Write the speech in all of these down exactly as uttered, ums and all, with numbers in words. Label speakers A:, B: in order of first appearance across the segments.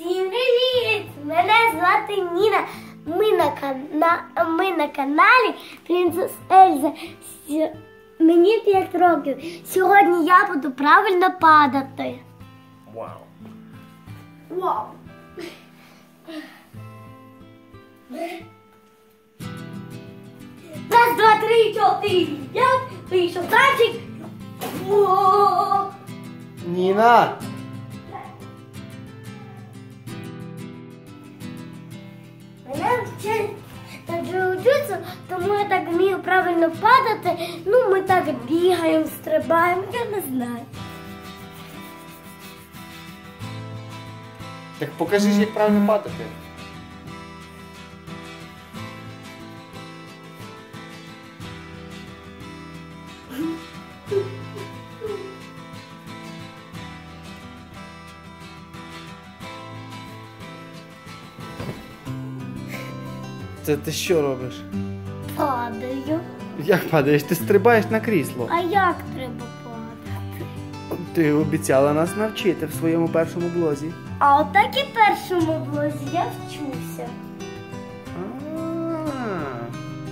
A: Всім привіт! Мене звати Ніна. Ми на, кана... Ми на каналі Принцес Ельза. С... Мені п'ять років. Сьогодні я буду правильно падати.
B: Вау.
A: Вау. Раз, два, три, чотири, п'ять. Вийшов танчик. О!
B: Ніна!
A: Мене вчать на джиу-джитсу, тому я так вмію правильно падати. Ну, ми так бігаємо, стрибаємо, я не знаю.
B: Так покажи, як правильно падати. Це ти що робиш?
A: Падаю.
B: Як падаєш? Ти стрибаєш на крісло.
A: А як треба падати?
B: Ти обіцяла нас навчити в своєму першому блозі.
A: А отак і в першому блозі я вчуся.
B: А-а-а.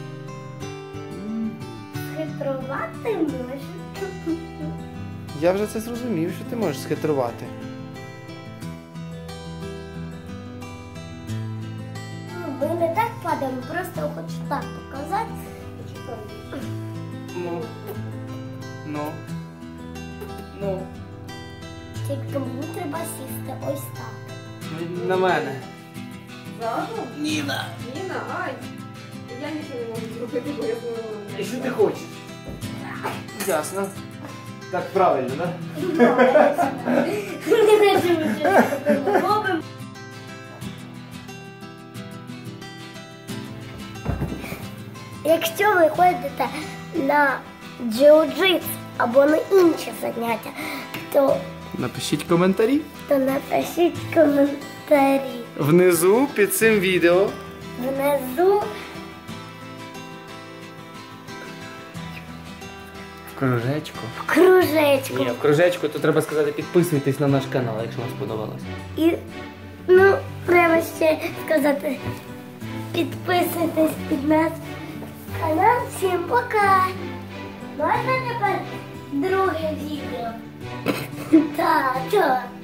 A: Хитрувати можна.
B: Я вже це зрозумів, що ти можеш схитрувати.
A: Ми не так падаємо, просто хочу так показати.
B: Ну. Ну. Ну.
A: Тільки мені треба сісти ось так.
B: На мене.
C: Зразу?
B: Ніна!
C: Ніна, ай! Я нічого не можу зробити, бо я знову.
B: І що ти хочеш? Ясно. Так правильно, так?
A: Не хочу нічого робимо. Якщо ви ходите на джиу-джитсу або на інші заняття, то,
B: Напишіть коментарі.
A: то напишіть коментарі.
B: Внизу під цим відео.
A: Внизу
B: В кружечку.
A: в кружечку.
B: Ні, в кружечку то треба сказати, підписуйтесь на наш канал, якщо вам сподобалось.
A: І, ну, треба ще сказати, підписуйтесь під наш канал. Всім пока! Можна тепер друге відео? Так, так.